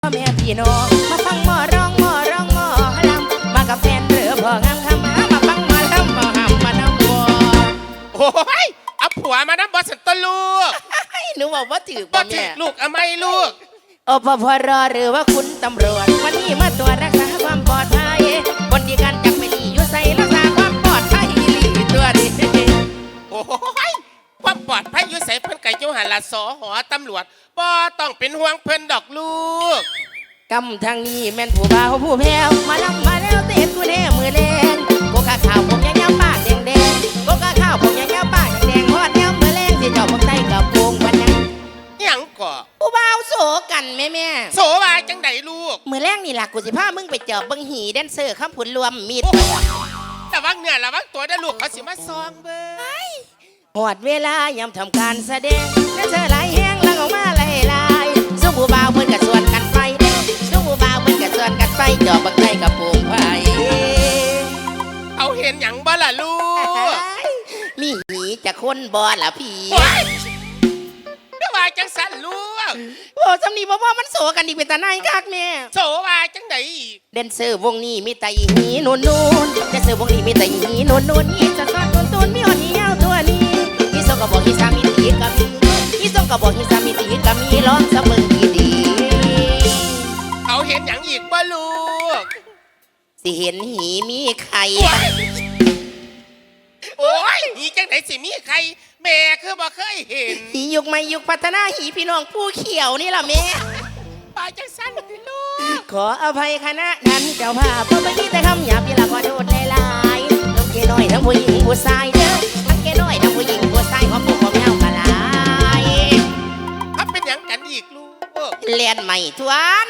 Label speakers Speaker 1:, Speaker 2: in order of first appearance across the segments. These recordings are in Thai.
Speaker 1: พ่อแม่พี่น้องมาฟังหมอร้องหมอร้องหมอลำมากับแฟนเรือพ่องามคำมาฟังหมอลำหมอหำมาน้ำบัว
Speaker 2: โอ้ยเอาผัวมาน้ำบอสตลูก
Speaker 1: หนูบอกว่าถือ
Speaker 2: บ่
Speaker 1: ป่ะ
Speaker 2: ถึ
Speaker 1: แม่
Speaker 2: กลูกเอาไม่ลูก
Speaker 1: โอปพรหรือว่าคุณตำรวจวันนี้มาตรวจรักษาความปลอดภัยคนที่การจับไม่ดีอยู่ใส่รักษาความปลอดภัยตัวนี้
Speaker 2: โอ้ยความปลอดภัยอยู่ใส่เพิ่นไก่เจ้าหันละสอหอตำรวจบ่ต้องเป็นห่วงเพิ่นดอกลูก
Speaker 1: กำทางนี้แม่นผู้บ่าวผู้แพ้วมาลำมาแล้วเต้นกูแน่มือแรงโกกะข่าวผมยาวๆปากแดงๆโกกะข่าวผมยาวๆปากแดงๆฮอดแนวมือแรงที่เจ้าพวกไต้กับวงวันยัง
Speaker 2: หยังก่อ
Speaker 1: ผู้บ่าวโสกันแม่
Speaker 2: โสวาจังไดลูก
Speaker 1: มือแรงนี่ล่ะกูสิพามึงไปเจอบบังหีแดนเซอร์ข้ามผุนรวมมีด
Speaker 2: ระวังเนื้อระวังตัวได้ลูกเขาสิมาซองเบิ่ง
Speaker 1: หอดเวลายามทำการแสดงแดนเซอร์หลายแห้งลังออกมาหลายๆซุ่มผู้บ่าวเพิ่นกะส่วนกันไปซุ่มผู้บ่าวเพิ่นกะส่วนกันไปจอบบังไต้กับโป่งไผ่
Speaker 2: เอาเห็นหยังบ่ล่ะลูก
Speaker 1: มีหีจะคนบ่ล่ะพี่
Speaker 2: ก็ว่าจังสั่นลูก
Speaker 1: โอ้จำนี่บ่มันโสกันดีเป็นตาไหนคักแม่
Speaker 2: โสว่าจังไดอีก
Speaker 1: แดนเซอร์วงนี้มีแต่อีหีนูนๆแดนเซอร์วงนี้มีแต่อีหีนูนๆอีจะซอดตุนมีหอดอียาวตัวนี้อีส่งก็บอกอีสามีตีก็มีอีส่งก็บอกอีสามีตีก็มีร้องเสมอดี
Speaker 2: ๆเอาเห็นหยังอีกบ่ลูก
Speaker 1: สิเห็นหีมีไข่
Speaker 2: โอ้ยหีจังไดสิมีใครแม่คือบ่เคยเห็น
Speaker 1: หียุคใหม่ยุคพัฒนาหีพี่น้องผู้เขียวนี่ล่ะแม่
Speaker 2: ปาจังสั่นลูก
Speaker 1: ขออภัยคณะนั้นเจ้าภาพเพราะไม่มีแต่คำหยาบที่ละขอโทษหลายๆทั้งเกน้อยทั้งผู้หญิงผู้ชายเด้อทั้งเกน้อยทั้งผู้หญิงผู้ชายขอผู้ของเงามาลาย
Speaker 2: ถ้าเป็นอย่างกันอีกลูก
Speaker 1: เรียนใหม่ทวน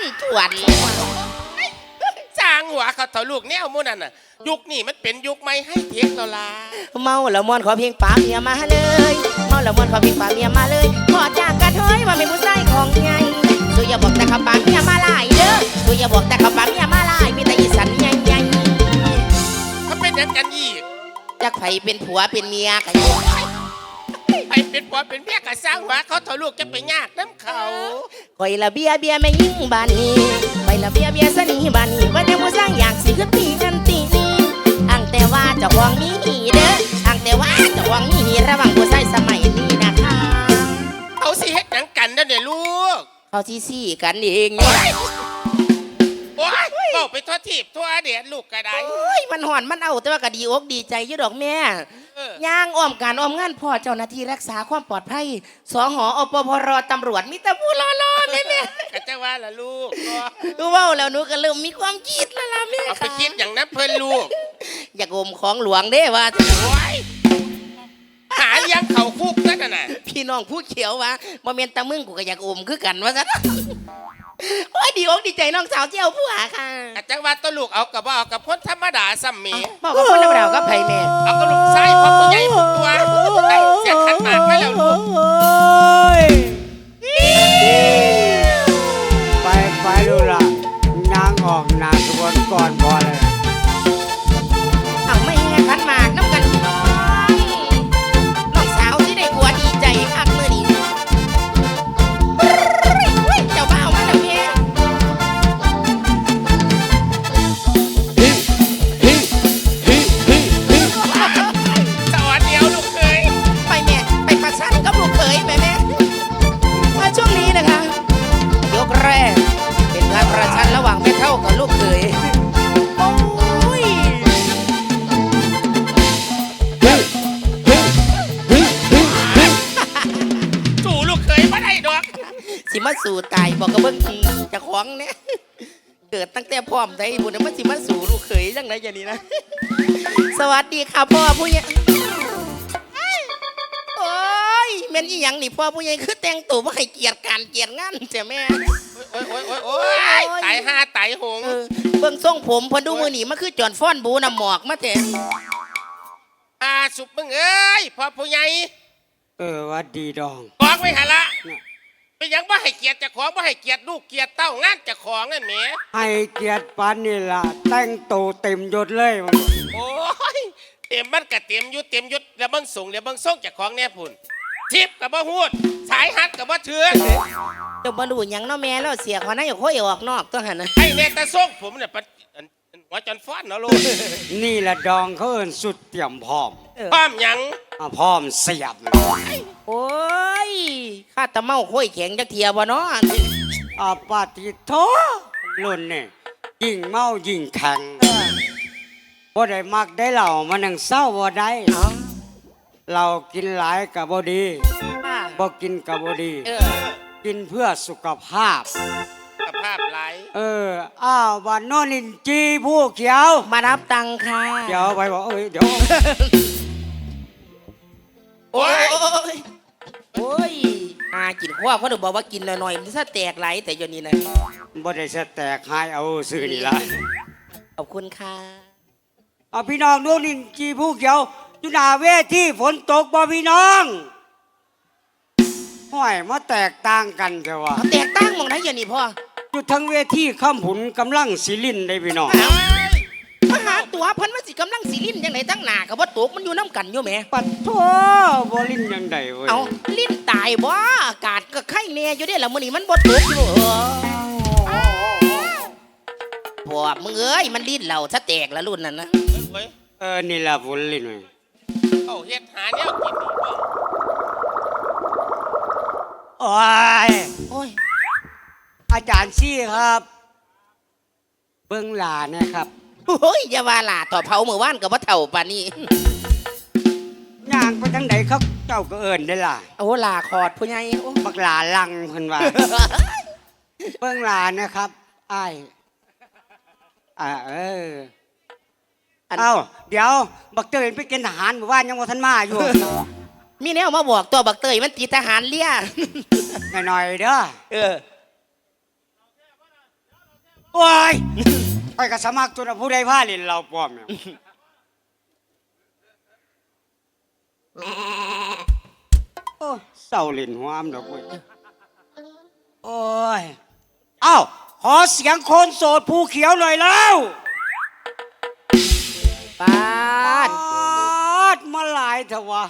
Speaker 2: จางหัวเขาเถาลูกแนวมู่นั่นน่ะยุคนี้มันเป็นยุคใหม่ให้เทคแล้วล่ะ
Speaker 1: เมาแล้วมวนขอเพียงป่าเมียมาเลยเมาแล้วมวนขอเพียงป่าเมียมาเลยขอจากกระเทยว่าเป็นผู้ชายของไงสุอย่าบอกแต่คำป่าเมียมาลายเด้อสุอย่าบอกแต่คำป่าเมียมาลายมีแต่อีสันใหญ่
Speaker 2: ถ้าเป็นอย่างกันอีก
Speaker 1: จะไผเป็นผัวเป็นเมียกัน
Speaker 2: ไปเป็นผัวเป็นเมียกับสร้างหัวเขาเถาลูกจะไปยากน้ำเขา
Speaker 1: คอยละเบียไม่ยิ่งบานนี้คอยละเบียสนีบานนี้ว่าแต่ผู้สร้างอยากสิขึ้นตีกันตีนี้อังแต่ว่าเจ้าของมีหีเด้ออังแต่ว่าเจ้าของมีหีระวังผู้ชายสมัยนี้นะคะ
Speaker 2: เขาสิเฮ็ดหยังกันเด้อเนี่ยลูก
Speaker 1: เขาซี่กันเองเนี่ย
Speaker 2: โอ้ยบอกไปทั่วทิพย์ทั่วเดียดลูกก็ได้
Speaker 1: มันห่อนมันเอาแต่ว่าก็ดีอกดีใจอยู่ดอกแม่ย่างอ้อมการอ้อมงานพ่อเจ้าหน้าที่รักษาความปลอดภัยสหอปพรตำรวจมีแต่ผู้รอๆแม่
Speaker 2: ก็จะว่าล่ะลูก
Speaker 1: รู้ว่าแล้วหนูก็เริ่มมีความคิดแล้วล่ะแม่
Speaker 2: เอาไปคิดอย่างนั้นเพิ่นลูก
Speaker 1: อยากอมของหลวงเด้ว่า
Speaker 2: หาเลี้ยงเขาคุกนั่นน่ะ
Speaker 1: พี่น้องผู้เขียววะบ่แม่นตะมึงกูก็อยากอมคือกันว่าซะโอ้ยดีอกดีใจน้องสาวเจ้าผู้หาค่ะ
Speaker 2: จังว่าตัวลูกเอากับว่าเอากับคนธรรมดาซ้ำเม
Speaker 1: บอกกับคนธรรมดากับไผแม่
Speaker 2: เอากับลูกชายพ่อผู้ใหญ่ผู้ตัวได้เสียขันหมากไปแล้วลูก
Speaker 3: ไปดูละนางออกนางกระบวนก่อนพอเลย
Speaker 1: เอาไม่แห่ขันหมากน้ำกันน้องสาวที่ได้ผัวดีใจคักมื้อนี้เจ้าบ่าวมาแล้วแม่
Speaker 2: สวัสดีลูกเคย
Speaker 1: ไปแม่ไปประชันกับลูกเคยแม่มาช่วงนี้นะคะยกแรกเป็นการประชันระหว่างแม่เฒ่ากับลูกเคยโอ้ย
Speaker 2: สู่ลูกเคยมาได้ดอก
Speaker 1: สิมาสู่ตายบอกกับเบิ้งจะคล้องเนี่ยเกิดตั้งแต่พร้อมได้บุญมันสิมาสู่ลูกเขยจังไรอย่างนี้นะสวัสดีค่ะพ่อผู้ใหญ่โอ้ยแม่นอีหยังนี่พ่อผู้ใหญ่คือแต่งตัวว่าให้เกียรติการเกียรติงานเจ้าแม่
Speaker 2: โอ้ยตายห้าตายหง
Speaker 1: เบิ้งทรงผมพอดูมือหนีมันคือจอนฟ้อนบูน้ำหมอกมาแต่
Speaker 2: สุบมึงเอ้ยพ่อผู้ใหญ่
Speaker 3: วัดดีดอง
Speaker 2: บอกไว้หะละเป็นยังว่าให้เกียรติเจ้าของว่าให้เกียรติลูกเกียรติเต้างานเจ้าของนั่นแหม
Speaker 3: ให้เกียรติปานนี่ล่ะแต่งตัวเต็มยศเลยมัน
Speaker 2: โอ้ยเต็มมันก็เต็มยุดแล้วเบิ่งสูงเดี๋ยวเบิ่งส่งเจ้าของแน่พุ่นชิปกับบ่ฮูดสายฮัดกับบ่เถื่อน
Speaker 1: เจ้าบ่รู้หยังเนาะแม่แล้วเสียคนนั้นอย่าค่อยออกนอกตัวหั่นน่ะ
Speaker 2: ไอ้เนตะส่งผมเนี่ยหัวจนฟ้อนเนาะลูก
Speaker 3: นี่แหละดองเขาเอิ้นสุดเตรียมพร้อม
Speaker 2: พร้อมหยัง
Speaker 3: พร้อมเสียบเลย
Speaker 1: โอ้ยข้าตะเมาค่อยแข็งจักเทียบ่เนาะ
Speaker 3: ปาติโทรุ่นนี่ยิ่งเมายิ่งแข็งบ่ได้มักได้เหล่ามันยังเศร้าบ่ได้
Speaker 1: เอ้า
Speaker 3: เรากินหลายกับบ่ดี
Speaker 1: อ่า
Speaker 3: บ่กินกับบ่ดี กินเพื่อสุขภาพ
Speaker 2: สภาพไหล
Speaker 3: อ้าววันโนนินจีผู้เขียว
Speaker 1: มารับตังค่ะ
Speaker 3: เดี๋ยวไปบอกเดี๋ยว
Speaker 2: โอ้ย
Speaker 1: โอ้ยกินข้าวเขาถึงบอกว่ากินหน่อยๆมันซะแตกไหลแต่อยนี้นะ
Speaker 3: บ่ได้สแตกหายเอาซื้อนี่ละ
Speaker 1: ขอบคุณค่ะ
Speaker 3: เอาพี่น้องโนนินจีผู้เขียวอยู่หน้าเวทีฝนตกบ่พี่น้องห้อยมาแตกต่างกันเถอะวะ
Speaker 1: เอาแตกตั้งหมองไหนอย่างนี้พ่อ
Speaker 3: อยู่ทั้งเวทีข้ามผุนกำลังสิลินได้พี่น้อง
Speaker 1: มาหาตัวเพิ่นว่าสิกำลังสิลิ้นยังไงตั้งหนากับว่าตกมันอยู่น้ำกันอยู่แหม
Speaker 3: ปัดโทบ่ลินยังไดเว้ย
Speaker 1: เอาลิ้นตายบ่อากาศก็ไข้แน่อยู่เด้ล่ะมื้อนี้มันบ่ตกอยู่พวกมึงเอ้ยมันลิ้นเราซะแตกละรุ่นนั้นนะ
Speaker 2: เฮ้ย
Speaker 3: นี่ล่ะฝนลินเว้ย
Speaker 2: เอาเฮ็ดหาแนวกินดีบ่
Speaker 3: โอ้ย
Speaker 1: โอ้ย
Speaker 3: อาจารย์ซี่ครับ เบิ่งหลาเนี่ยครับ
Speaker 1: โอ้ยอย่าว่าล่ะต่อเผาเมื่อวานก็บ่เท่าปานนี้
Speaker 3: ย่างไปทางไหนเขาเจ้าก็เอิ้นได้ล่ะ
Speaker 1: โอ้ลาคอดผู้ใหญ่โอ้
Speaker 3: บักหลาลังเพิ่นว่า เบิ่งหลานะครับอ้าย
Speaker 1: อัน
Speaker 3: เอ้าเดี๋ยวบักเตยไปกินทหารเมื่อวานยังบ่ทันมาอยู่
Speaker 1: มีแนวมาบอกตัวบักเตยมันติดทหารเลี้ย
Speaker 3: หน่อยๆเด้อ
Speaker 1: อ
Speaker 3: โอ้ยไอ้ก็สมัครตัวน่ะผู้ใดพาเล่นเราปลอมเนี่ยโอ้เศร้าเล่นหัวมดอกเว้ยโอ้ยเอ้าขอเสียงคนโสดภูเขียวหน่อยแล้ว
Speaker 1: ปาด
Speaker 3: มาหลายเถอะวะ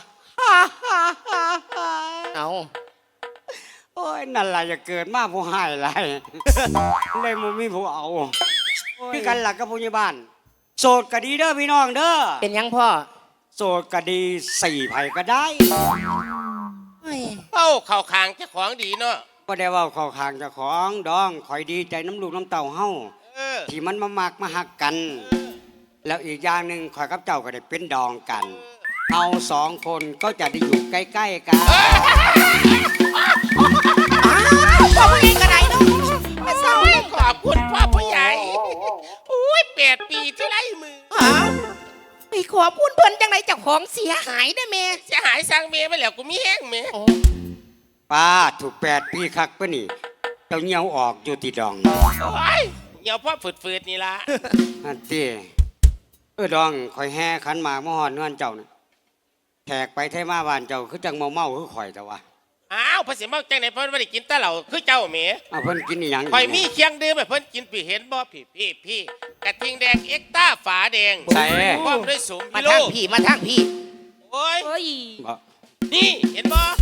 Speaker 1: เอา
Speaker 3: โอ้ยนั่นแหละอย่าเกิดมาผู้หายไรเลยมูมีผู้เอาพี่กันหลักกับผู้ใหญ่บ้าน โสดก็ดีเด้อพี่น้องเด้อ
Speaker 1: เป็นยังพ่อ
Speaker 3: โสดก็ดีสี่ไผ่ก็ได้
Speaker 1: เฮ้ย
Speaker 2: เอ้าเข้าคางเจ้าของดีเนาะ
Speaker 3: ก็ได้เว่าเข้าข้างเจ้าของดองคอยดีใจน้ำลูกน้ำเต่าเฮา
Speaker 2: เออ
Speaker 3: ที่มันมามักมาหักกัน แล้วอีกอย่างหนึ่งคอยกับเจ้าก็ได้เป็นดองกันเราสองคนก็จะได้อยู่ใกล้ๆกัน
Speaker 1: อ้าวพ่อผู้ใหญ่กระไดเนาะมาเศร้า
Speaker 2: โอ้ย
Speaker 1: เล่น
Speaker 2: ขอบคุณพ่อผู้ใหญ่อุ้ย8 ปีที่ไล่มือ
Speaker 1: อ้าวไปขอพูดเพิ่นจังไหนเจ้าของเสียหายได้แม่
Speaker 2: เสียหายสร้างเมียไปแล้วกูมีแห้งเมีย
Speaker 1: โอ้
Speaker 3: ป้าถูก8 ปีคักปะนี่เจ้าเงี้ยวออกอยู่ที่ดอง
Speaker 2: โอ้ยเหี่ยวพ่อฝืดๆนี่ละ
Speaker 3: อันตีดองคอยแห่ขันหมากมะฮอนเงื่อนเจ้านะแขกไปเทมาบ้านเจ้าคือจังเมาคือข่อยแต่ว่า
Speaker 2: อ้าวภาษีเมาจังไหนเพิ่นไม่ได้กินแต่เหล้าคือเจ้าเมีย
Speaker 3: เพิ่นกินอีหยัง
Speaker 2: คอยมีเคียงดื่มให้เพิ่นกินพี่เห็นบ่พี่กระทิงแดงเอ็กต้าฝาแดง
Speaker 3: ใส่
Speaker 2: พร้อมด้วยสม
Speaker 1: มา
Speaker 2: พิโล
Speaker 1: ทางพี่มาทางพี่
Speaker 2: โอ้ย
Speaker 1: โอ้ย
Speaker 3: บ่
Speaker 2: นี่เห็นบ่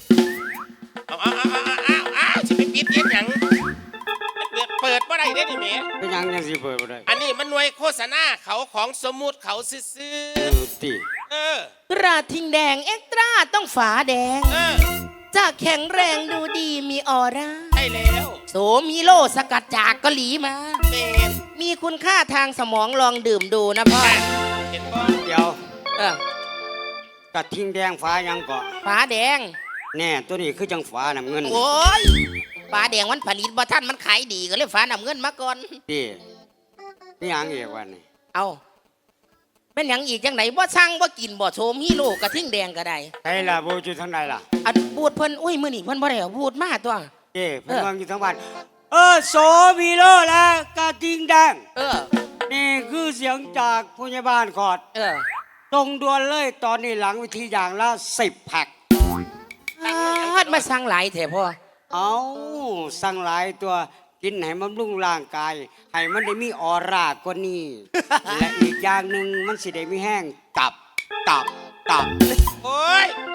Speaker 2: เอาจะไปปิดเย็นหยังเปิดบ่ได้เด้นี่เมีย
Speaker 3: เป็นหยังยังสิเปิดบ่ได้
Speaker 2: อันนี้มันหน่วยโฆษณาเขาของสมมุติเขาซื่อ
Speaker 3: ตี
Speaker 2: ๆเออก
Speaker 1: ระทิงแดงเอ็กตร้าต้องฝาแดง
Speaker 2: เออ
Speaker 1: จะแข็งแรงดูดีมีออร่า
Speaker 2: ใช่แล้ว
Speaker 1: โสมีโลสกัดจากเกาหลีมา
Speaker 2: เมน
Speaker 1: มีคุณค่าทางสมองลองดื่มดูนะพ่อ
Speaker 2: เห็นบ่
Speaker 3: เดี๋ยว
Speaker 1: เออก
Speaker 3: ระทิงแดงฟ้ายังเกาะ
Speaker 1: ฝาแดง
Speaker 3: แน่ตัวนี้คือจังฟ้าน้ำเงิน
Speaker 1: โอ้ยฝาแดงมันผลิตบ่ท่านมันขายดีก็เลยฝาน้ำเงินมาก่อน
Speaker 3: ตีนี่หยังอีกวันนี้
Speaker 1: เอาแม่นหยังอีกจังไหนบ่สั่งบ่กินบ่โชมฮีโร่กระทิงแดงก็ได้
Speaker 3: ใช่ล่ะโบอยู่ทางใดล่ะ
Speaker 1: อันบูดเพิ่นอุ้ยมื้อนี้เพิ่นบ่ได้เอาบูดมาตัว
Speaker 3: เพิ่นวางอยู่ทางบ้านโสวีโลและกระทิงแดง
Speaker 1: เออ
Speaker 3: นี่คือเสียงจากผู้ใหญ่บ้านขอด
Speaker 1: เออ
Speaker 3: ตรงด่วนเลยตอนนี้หลังวิธีอย่างละ10 แพ็ค
Speaker 1: ฮัดมาสั่งหลายแท้พ่อ
Speaker 3: เอาสั่งหลายตัวกินให้มันรุ่งร่างกาย ให้มันได้มีออร่ากว่านี้ และอีกอย่างหนึ่งมันสิได้มีแห้งตับ
Speaker 2: โอ้ย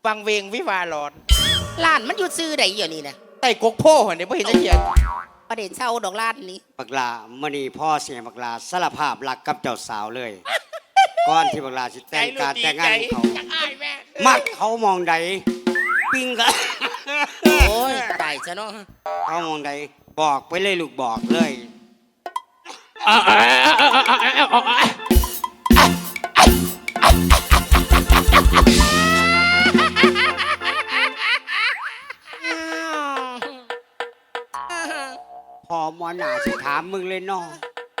Speaker 4: ฟังเวงวิวาหลอน
Speaker 1: ร้านมันอยู่ซื้อใดอยู่นี่นะ
Speaker 4: ใต้กกโพ่เนี่ยไม่เห็นจะเขียน
Speaker 1: ประเด็นเช่าดอกร้านนี้
Speaker 3: บักลามื่อนี้พ่อเสียบักลาสารภาพรักกับเจ้าสาวเลย ก่อนที่บักลาสิแต่งการแต่งงานของเขา
Speaker 2: จักอายแม่
Speaker 3: มักเขามองใดปิ้งกัน
Speaker 1: โอ้ยตายซะเนาะ
Speaker 3: เขามองใดบอกไปเลยลูกบอกเลย พอหมอหนาสิถามมึงเลยเนาะ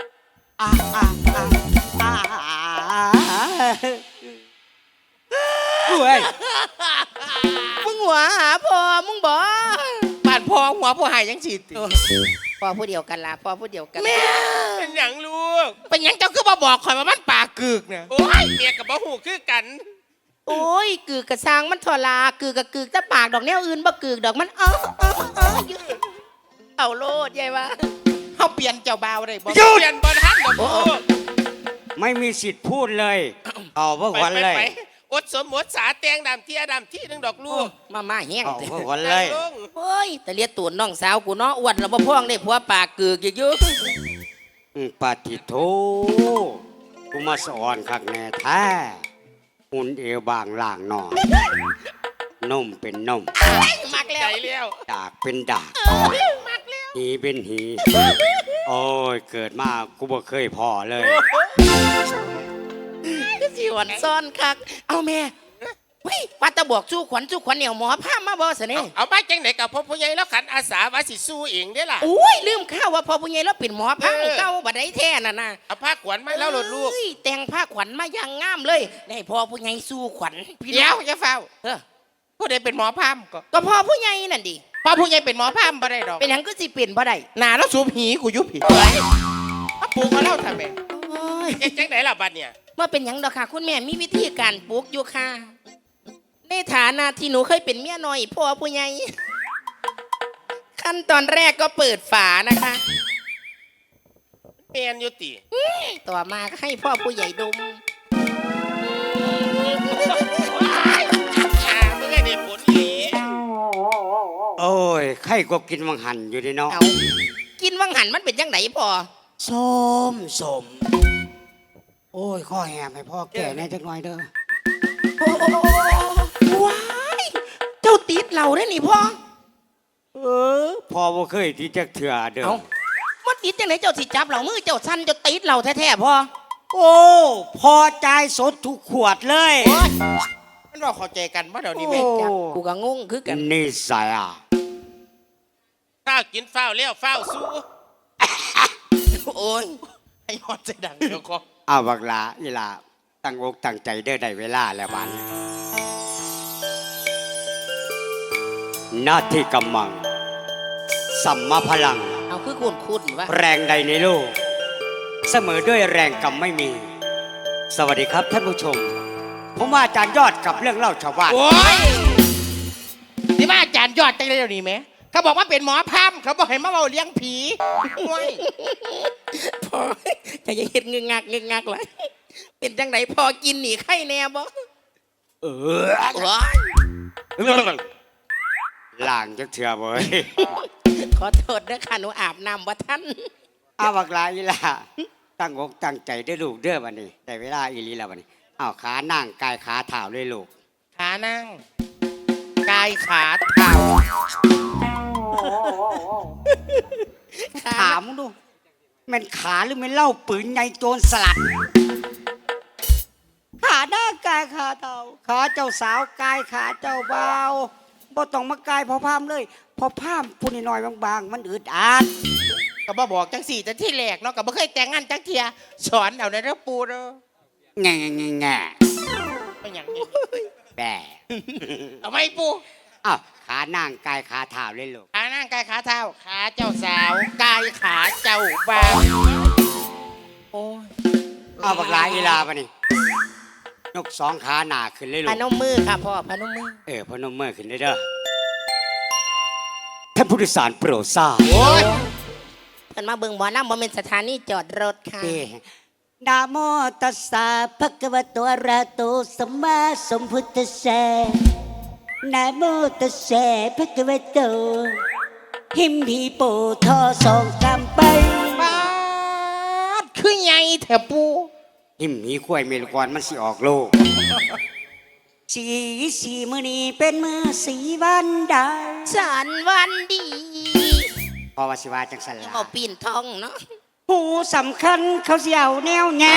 Speaker 3: เฮ้ย
Speaker 1: มึงหัวหาพอมึงบอก
Speaker 4: บ้านพ่อหัวผู้หายยังฉีดติ
Speaker 1: พอผู้เดียวกันละพอผู้เดียวกัน
Speaker 4: แม่
Speaker 2: เป็นหยังลูก
Speaker 4: เป็นหยังเจ้าคือมาบอกข่อยว่ามันปากกึกเนี่ย
Speaker 2: โอ้ยเมียกับบ่หูคือกัน
Speaker 1: โอ้ยกึกกระซังมันทลากึกกะกึกแต่ปากดอกแนวอื่นบ่กึกดอกมันอยู่เอาโลดยายวะ
Speaker 4: เขาเปลี่ยนเจ้าบ่าวได้บ่
Speaker 2: เปลี่ยนบอลทันเหรอลูก
Speaker 3: ไม่มีสิทธิ์พูดเลยเอาเพื่อ
Speaker 2: ไป
Speaker 3: วัน
Speaker 2: ไป
Speaker 3: เลย
Speaker 2: ไปอดสมหมดสาแตงดำที่อดำที่นึงดอกลูก
Speaker 1: มาแห้ง
Speaker 3: เอา
Speaker 1: เถ
Speaker 3: เพื่อ
Speaker 1: อะ
Speaker 3: วันเลย
Speaker 2: นั่งลง
Speaker 1: โอ้ยแต่เลียตูนน้องสาวกูเนาะอ้วนแล้วบ่พ่องได้ผัวปากกึกอยู่
Speaker 3: ปาฏิโทกูมาสอนขักแน่แท้หุ่นเอวบางล่างนอนนมเป็นนม
Speaker 1: มักแล้
Speaker 2: ใจ
Speaker 1: ว
Speaker 2: แล้ว
Speaker 3: ดากเป็นดาก
Speaker 1: มักแล้ว
Speaker 3: หีเป็นหี โอ้ย เกิดมากูบ่เคยพอเลย
Speaker 1: ก็สิหวันซ่อนคักเอาแม่เฮ้ยว่าแตะบอกสู้ขวัญเหนียวหมอพามาบ่ซะนี่
Speaker 2: เอามาจังไหนกับพ่อผู้ใหญ่แล้วขันอาสาว่าสิสู้เองได้ล่ะ
Speaker 1: โอ้ยลืมข้าวว่าพอผู้ใหญ่แล้วเป็นหมอพังเก่าบัดได้แท้น่ะนะ
Speaker 2: เอาผ้าขวัญมาแล้วหลดลูก
Speaker 1: เอ้ยแต่งผ้าขวัญมาอย่างงามเลยได้พอผู้ใหญ่สู้ขวัญพี่
Speaker 4: เดี๋
Speaker 1: น้
Speaker 4: ย
Speaker 1: อ
Speaker 4: ว
Speaker 1: ง
Speaker 4: อย่าเฝ้า
Speaker 1: เออ
Speaker 4: ผู้ใดเป็นหมอพามก็
Speaker 1: ก็พอผู้ใหญ่นั่นดิ
Speaker 4: พ่อผู้ใหญ่เป็นหมอพามบ่ได้ดอก
Speaker 1: เป็นหยังก็สิเปลี่ยนบ่ได้
Speaker 4: หนาแล้วสูบหีกูยุบผีเอาปลูกมาแล้วทำไม
Speaker 1: โอ้ย
Speaker 2: จังไหนล่ะบัดเนี่ย
Speaker 1: ว่าเป็นหยังดอกค่ะ คุณแม่มีวิธีการปลูกอยู่ค่ะในฐานะที่หนูเคยเป็นเมียน้อยพ่อผู้ใหญ่ขั้นตอนแรกก็เปิดฝานะคะ
Speaker 2: เมียนอยุติ
Speaker 1: ต่อมาก็ให้พ่อผู้ใหญ่ดม
Speaker 2: มึงไงได้ผลอี
Speaker 3: โอ้ยไข่ก็กินมังหันอยู่ดีเนาะ
Speaker 1: เอากินวังหันมันเป็นจังไหนพ่อ
Speaker 3: ส้มสม โอ้ย ข้อแหบให้พ่อแก่แน่จักหน่อยเด้อ
Speaker 1: ว้ายเจ้าติดเหล่าได้นี่พ่อ
Speaker 3: พ่อบ่เคยที่จะเถื่อเด้อ
Speaker 1: เอามันติดจังไหนเจ้าสิจับเหล่ามือเจ้าสั้นเจ้าติดเหล่าแท้ๆพ่อ
Speaker 3: โอ้พอใจายสดทุกขวดเลย
Speaker 4: มันเราเข้าใจกันว่าเดี๋ยวนี้ไหม
Speaker 3: โอ้
Speaker 1: จับกูก็งงคือกัน
Speaker 3: นี่ใส่อ่ะ
Speaker 2: ฝ้าวกินฝ้าวเลี้ยวฝ้าวสู้
Speaker 1: โอ้ย
Speaker 4: ให้ยอดใจดังเดี๋ยวก็
Speaker 3: เอาบักลาอีหลาตั้งอกตั้งใจเด้อได้เวลาแล้ววันหน้าที่กำมัง สัมมาพลัง
Speaker 1: เอาคือคุณวะ
Speaker 3: แรงใดในโลก เสมอด้วยแรงกำไม่มี สวัสดีครับท่านผู้ชม ผมว่าอาจารย์ยอดกับเรื่องเล่าชาวบ้าน
Speaker 4: โอ้ยนี่ว่าอาจารย์ยอดจังเลยเดี๋ยวนี้ไหมเขาบอกว่าเป็นหมอพามเขาบอกให้มาเบาเลี้ยงผีโอ้ย
Speaker 1: พ่อจะยังเห็นเงึงงักเลยเป็นจังไหนพอกินหนีไข่แน่บ่
Speaker 3: เออ
Speaker 1: ว้าย
Speaker 3: ล่างจักเถื่อเว้ย
Speaker 1: ขอโทษนะค่ะหนูอาบน้ำว่าท่าน
Speaker 3: เอาบักลาอีหลาตั้งอกตั้งใจได้อลูกเด้อวันนี้ได้เวลาอีหลีแล้ววันนี้เอาขานั่งกายขาเท้าเลยลูก
Speaker 4: ขานั่งกายขาเท้า
Speaker 3: ถามมึงดูแมันขาหรือแมันเล่าปืนในโจรสลัด ขาหน้ากายขาเท้าขาเจ้าสาวกายขาเจ้าเบาบ่ต้องมากายพอพามเลย พอพามพูดน้อยๆบางๆ มันอึดอัด
Speaker 4: ก็บ่บอกจังสี่แต่ที่แรกเนาะก็บ่เคยแต่งงานจังเทียสอนเอาในระปูเนาะ
Speaker 3: แง่แง่แง่
Speaker 4: เป็นอย่างนี้
Speaker 3: แบ่
Speaker 4: เอาไหมปู
Speaker 3: อ้าวขานั่งกายขาเท้าเลยลูก
Speaker 4: ขานั่งกายขาเท้าขาเจ้าสาวกายขาเจ้าบ่าวโอ้ย
Speaker 3: เอาบักลาอีลาปะนี่ยกสองขาหนาขึ้นเลยลู
Speaker 1: พ
Speaker 3: ก
Speaker 1: นมมือค่ะพ่อพนมมือ
Speaker 3: พนมมือขึ้นเลยเด้อท่านผู้โดยสารโปรดทราบ
Speaker 4: โอ้ย
Speaker 1: เพิ่นมาเบิ่งหมอน้ำบ่เป็นสถานีจอดรถค่ะ
Speaker 3: นะโมตัสสะภะคะวะโตอะระหะโตสัมมาสัมพุทธัสสะนะโมตัสสะภะคะวะโตหิมพีโปทอสองกำไป
Speaker 4: ปาดคือไงแถวปู
Speaker 3: หิมหีข้วยเมลกรมันสิออกโลกสีมื้อนี้เป็นมื้อสีวันดา
Speaker 1: ฉันวันดี
Speaker 3: พอว่าสิว่าจังสันล่ะ
Speaker 1: เอาปีนทองเนาะ
Speaker 3: หูสำคัญเขาสิเอาแนวแง่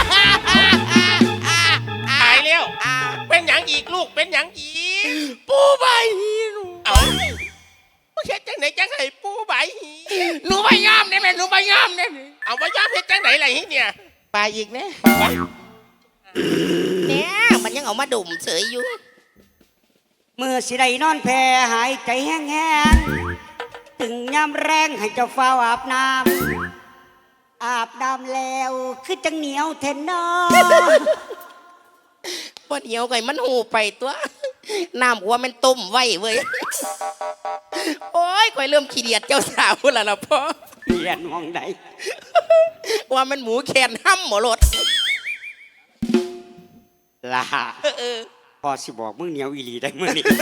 Speaker 2: ตายแล้วเป็นหยังอีกลูกเป็นหยังอีก
Speaker 4: ปูใบหีหนู
Speaker 2: เอามึงเฮ็ดจังไหนจังไห้ปูใบหี
Speaker 4: หนูใบงามได้ไหมหนูใบงามได้ไหม
Speaker 2: เอาว่ายอมเฮ็ดจังไหนล่ะฮีเนี่ย
Speaker 4: ไปอีกนะ
Speaker 1: เนี่ยมันยังเอามาดุ่มเฉยอยู่
Speaker 3: มือสิได้นอนแพ่หายใจแห้งๆถึงยามแรงให้เจ้าฟ้าวอาบน้ำอาบน้ำแล้วคือจังเหนียวเทนนอ
Speaker 1: ว่าเดียวไก่มันหูไปตัว น้ำหัวมันต้มไว้เว้ย โอ้ยข่อยเริ่มขี้เดียดเจ้าสาวแล้วล่ะพ่อ
Speaker 3: เปลี่ยนมองใด
Speaker 1: ว่ามันหมูแขนห้ำหมอรถ
Speaker 3: ล่ะ
Speaker 1: เออ
Speaker 3: พอสิบอกมึงเหนียวอีหลีได้มื้อนี้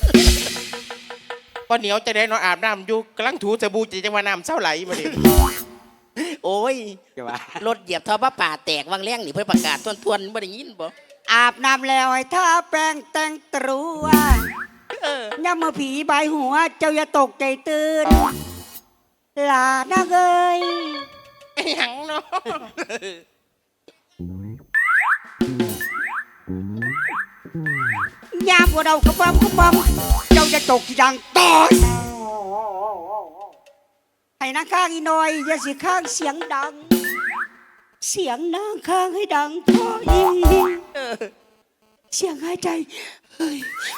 Speaker 4: พอเหนียวจะได้นอนอาบน้ำอยู่กำลังถูสบู่จะจังว่าน้ำเศร้าไหลมาดิ
Speaker 1: โอ้ย
Speaker 3: เดี๋ยวว่าร
Speaker 1: ถเหยียบท่อพระป่าแตกวังแรงนี่เพื่อประกาศทวนๆบ่ได้ยินบ่
Speaker 3: อาบน้ำแล้วให้ทาแป้งแต่งตรัว
Speaker 1: เออ
Speaker 3: ย่ามาผีบายหัว เจ้าอย่าตกใจตื่นหลานักเอ้ย
Speaker 4: หยังเนาะ
Speaker 3: ยามพวกเรากระปั๊มเจ้าจะตกที่ดังต่อยให้นางข้างอีน้อยอย่าสิข้างเสียงดัง เสียงนางข้างให้ดังพออีเสียงหายใจเฮ้ย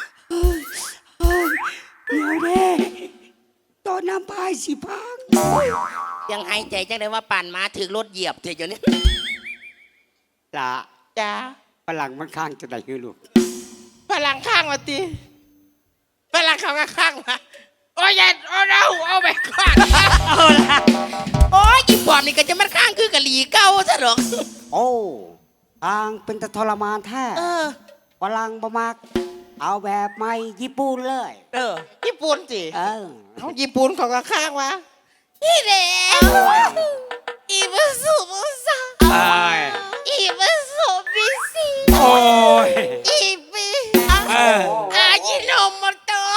Speaker 3: เดี๋ยวเด้ตอนน้ำพายสิพัง
Speaker 1: ยังหายใจจังได้ว่าป่านมาถึงรถเหยียบเถอะเดี๋ยวนี้
Speaker 3: ละ
Speaker 4: จ้า
Speaker 3: ฝรั่งมันข้างจะได้คือลูก
Speaker 4: ฝรั่งข้างมาตีฝรั่งข้างมาข้างมาโอ้ยอย่าโอ้เราเอาไปก่อน
Speaker 1: เอาละโอ้ยอีปอบนี่ก็จะมันข้างคือกะหลีเก้าซะหรอก
Speaker 3: โอ้ทางเป็นตะทรมานแท้
Speaker 1: เออ
Speaker 3: ฝรั่งบ่มัก เอาแบบไม่ญี่ปุ่นเลย
Speaker 1: เออ
Speaker 4: ญี่ปุ่นสิ
Speaker 3: เออ
Speaker 4: เอาญี่ปุ่นเขาก็ข้างวะ
Speaker 1: นี่แหละอีบุสุบุสาอีบุสุบิซี
Speaker 3: โอ้ย
Speaker 1: อีบิอายิโนโมโตะ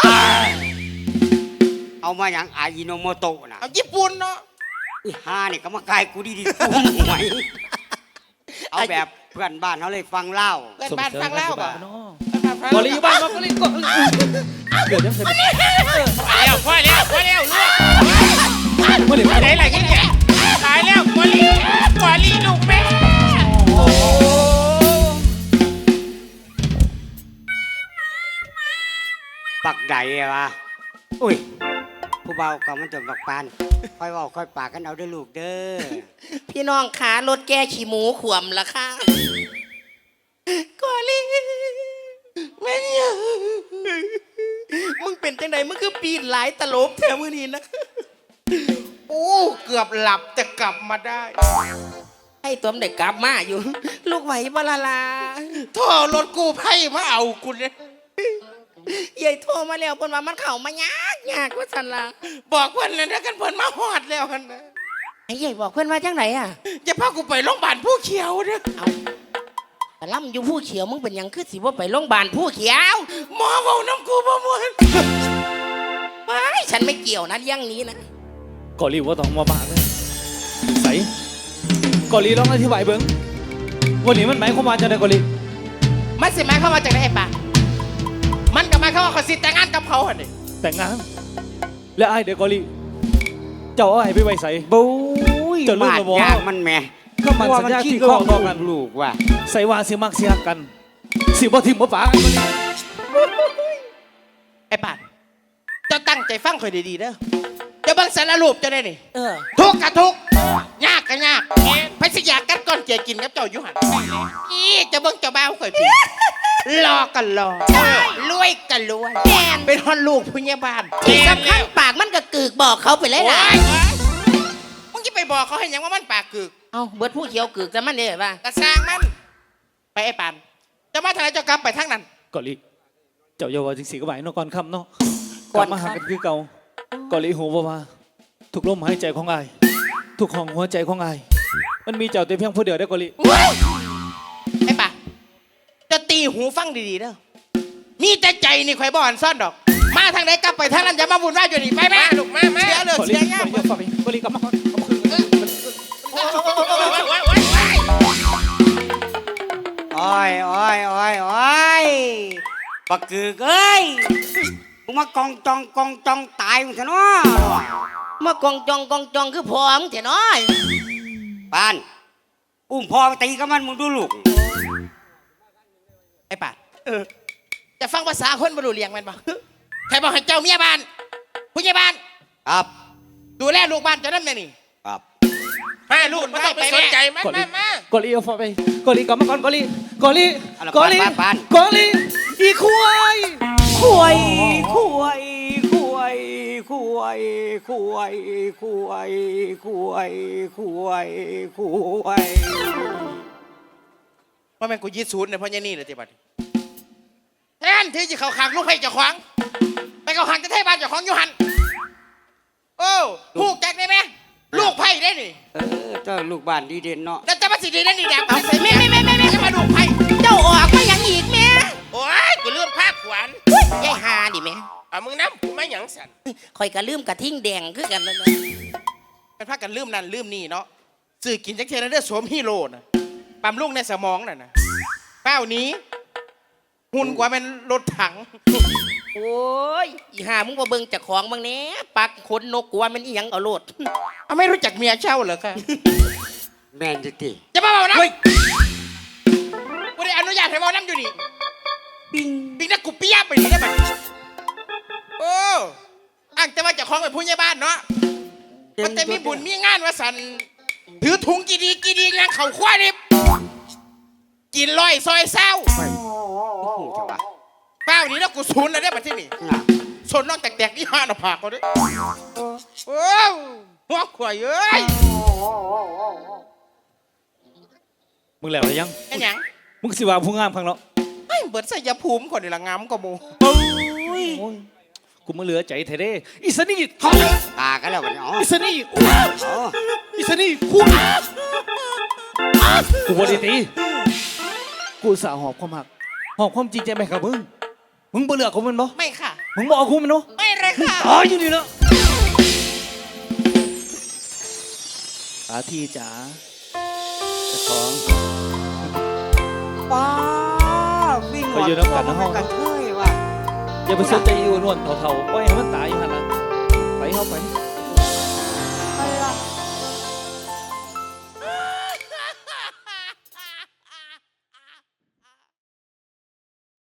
Speaker 3: เอามาอย่างอายิโนโมโตะนะ
Speaker 4: เอาญี่ปุ่นเนาะ
Speaker 3: อีห่าเนี่ยก็มากายกูดีๆกูหวยเอาแบบเพื่อนบ้านเขาเลยฟังเล่า
Speaker 4: เกิดบ้านฟังเล่าป่ะ
Speaker 5: กอลีอยู่บ้านมากอลีก็เกิดยังไง
Speaker 2: พอแล้วลูก
Speaker 5: เมื่อไหร่
Speaker 2: ไหนล่ะฮีเนี่ยตายแล้วกอลีลูกแม่
Speaker 3: ปักใดอะวะอุ้ยผู้เบาก็มันจะบักปานค่อยเว่าค่อยปากกันเอาเด้อลูกเด้อ
Speaker 1: พี่น้องขารถแก้ขี้หมูขวมละค่ะกอลีแม่เนี่ยมึงเป็นจังไดมึงคือปีนหลายตลบแถวมือนี้นะ
Speaker 4: โอ้เกือบหลับแต่กลับมาได้
Speaker 1: ให้ตัวมันได้กลับมาอยู่ ลูกไหวบลาลา
Speaker 4: โทรรถกู้ภัยมาเอาคุณเนี่ย
Speaker 1: ยายโทรมาแล้วเพิ่นว่ามันเข้ามายากว่าซั่นล่ะ
Speaker 4: บอกเพื่อนเลยนะกันเพื่อนมาหอดแล้วกันนะ
Speaker 1: ไอ้ยายบอกเพิ่นว่าจังไหนอ่ะ
Speaker 4: จะพากูไปโรงพยาบาลผู้เขียวเนี่ย
Speaker 1: แต่ล่ำอยู่ผู้เขียวมึงเป็นหยังคือสิว่าไปโรงพยาบาลผู้เขียว
Speaker 4: หมอบอกน้ำกูประมวล
Speaker 1: ไม่ฉันไม่เกี่ยวนะเรื่องนี้นะ
Speaker 5: กอลีว่าต้องมาบ้าเลยใส่กอลีลองอธิบายเบิ้งวันนี้มันหมายความว่าจะได้กอลี
Speaker 4: มันสิหมายเข้ามว่าจากไหนไอ้ป่ะมันก็หมายเข้ามว่าเขาสิแต่งงานกับเขาเหรอเนี่ย
Speaker 5: แต่งงานและไอ้เด็กกอลีเจ้าเอาไอ้ไปไว้ใส่
Speaker 3: บุ้ย
Speaker 5: จะลืม
Speaker 3: บาด
Speaker 5: แล้วบ่
Speaker 3: ยางมันแหม่
Speaker 5: ก็มันสัญญา
Speaker 3: ขี้
Speaker 5: ที่
Speaker 3: ข้อง
Speaker 5: เราบอกกัน
Speaker 3: ลูกว่ะ
Speaker 5: ใส่ว่าสิมักเสียกัน สิบ่ทิมบ่ป๋ากันกอลี
Speaker 4: ไอ้ป่ะเจะตั้งใจฟังคอยดีๆเด้อจะเบิ่งสารรูปจะได้นี่
Speaker 1: เออ
Speaker 4: ทุกข์กับทุกข์ยากกับยากพสิอยากกัดก้อนเจียกินกับเจ้าอยู่หันอีจะเบิ่งเจ้าบ้าวคอยพี่รอกันรอรวยกันรวยเป็นฮอนลูกผู้ใหญ่บ้าน
Speaker 1: ที่สำคัญปากมันก็กึกบอกเขาไปเลยล่ะ
Speaker 4: มึงจะไปบอกเขาให้หยังว่ามันปากกึก
Speaker 1: เอาเบิดผู้เขียวกึกแต่มันเนี่ยว่าก
Speaker 4: ระสร้างมัน ไปไอ้ปานจะมาทางไหนเจ้ากลับไปทางนั้น
Speaker 5: กอลีเจ้าอย่าว่าจังสีก็ไหวเนาะก่อนค่ำเนาะกลับมาหากันคือเก่ากอลีหูว่าทุกลมหายใจของอายทุกห้องหัวใจของอายมันมีเจ้าแต่เพียงผู้เดียวได้อกอลี
Speaker 4: ไอ้ป่ะจะตีหูฟังดีๆเด้อมีแต่ใจนี่ข่อยบ่อนซ่อนดอก มาทางไหนกลับไปทางนั้นอย่ามาวุ่นวายอยู่นี่ไปแม่ลูกมาเสียเลือด
Speaker 5: กอลี
Speaker 4: เสียยาก
Speaker 5: กอลีกลับมาก่อนเอาคืน
Speaker 3: โอ้ยโอ้ยโอ้ยโอ้ยบักกึกเอ้ยมึงมากองจองตายมึงซะเนาะ
Speaker 1: มากองจองคือพอมึงเถอะน้อย
Speaker 3: ปานอุ้มพ่อไปตีกับมันมึงดูลูก
Speaker 4: ไอ้ป่ะจะฟังภาษาคนบรรลุเลียงมันบ่ใครบอกให้เจ้าเมียบ้านผู้ใหญ่บ้าน
Speaker 3: ครับ
Speaker 4: ดูแลลูกบ้านเจ้านั่นแน่นี่
Speaker 3: ครับ
Speaker 2: มาลูกไม่ต้องไปสนใจมันมาก
Speaker 5: อลีเอาฟ้าไปกอลีกลับมาก่อนกอลีกอลี
Speaker 3: เอาละ
Speaker 5: กอลี
Speaker 3: ปาน
Speaker 5: กอลีอีควาย
Speaker 3: ขวยขวยขวยขวยขวยขวยขวยขวยขวย
Speaker 4: ว่าแม่งกูยีดศูนย์เนี่ยเพราะยันนี่เลยทีบัดแทนที่จะเขาขังลูกให้เจ้าขวางไปเขาขังจะเทบ้านเจ้าของอยู่หันโอ้ผูกแจกได้ไหมลูกไผ่ได้นี่
Speaker 3: เจ้าลูกบ้านดีเด่นเนาะ
Speaker 4: แล้วจะมาสิดีนั่นนี่แดงเอาใส่ไม่จะมาดูไผ่
Speaker 1: เจ้าออกมาอย่างอีกแม่
Speaker 2: โอ้ยกูลืมภาคขวัญ
Speaker 1: ยายหาดิแม่
Speaker 2: เอามึงน้ำกูไม่หยังสัน
Speaker 1: คอยกระลืมกระทิ่งแดงคือกันนั่น
Speaker 4: เป็นพากันลืมนั่นลืมนี่เนาะสื่อกินจักเทนเดอร์สวมฮีโร่นะปั๊มลูกในสมองน่ะนะเป้านี้หุ่นกว่าเป็นรถถัง
Speaker 1: โอ้ยอีหามึงมาเบิ่งจากของบางเนี้ยปักขนนกกลัวมันอีหยังเอาโลด
Speaker 4: เอาไม่รู้จักเมียเช่าเหรอคะ
Speaker 3: แมนจิติ
Speaker 4: จะมาบอกนะกูได้อนุญาตให้บอกน้ำอยู่นี่
Speaker 3: ปิ้ง
Speaker 4: บิ๊กนักกูเปียบไปนี่ได้ไหมโอ้อ้างแต่ว่าเจะคล้าของเป็นผู้ใหญ่บ้านเนาะมันแต่มีบุญมีงานว่าสันถือถุงกี่ดีงานเข่าคว้าดิบกินลอยซอยเศร้า
Speaker 3: หูจังวะ
Speaker 4: เป้านี้แล้วกูศูนย์เลยได้มาที่นี่
Speaker 3: น่ะ
Speaker 4: สนนอกแตกๆนี่ห้าหน้าผากเขาด้วยโอ้หัวขวายเอ้ย
Speaker 5: มึงแล้วหรือยัง
Speaker 4: ไอ้หยัง
Speaker 5: มึงสิว่าผู้งามข้างเนาะ
Speaker 4: ไอ้เบิดใส่ยาภูมิคนนี่ละงามกว่าโม
Speaker 5: โอ้ยกูมาเหลือใจแท้เด้อิสนี่
Speaker 3: ตากันแล้วกันอ๋อ
Speaker 5: อิสนี่
Speaker 3: อ๋อ
Speaker 5: อิสนี่กูกูบริตีกูสาหอบความหักหอบความจริงใจไปกับมึงมึงบ่เลือกของมันบ่
Speaker 4: ไม่ค่ะ
Speaker 5: มึงบอกกูมันเนาะ
Speaker 4: ไม่เลยค่ะ
Speaker 5: ตายอยู่นี่เนาะอาทีจ๋าเจ้าของ
Speaker 3: ป้าวิ่ง
Speaker 5: ไปอยู่น้ำกันนะห้อง
Speaker 3: กันเทยว่ะ
Speaker 5: อย่าไปสนใจอีอ้วนๆเถ่าๆปล่อยให้มันตายอยู่หั่นล่ะไปเข้าไป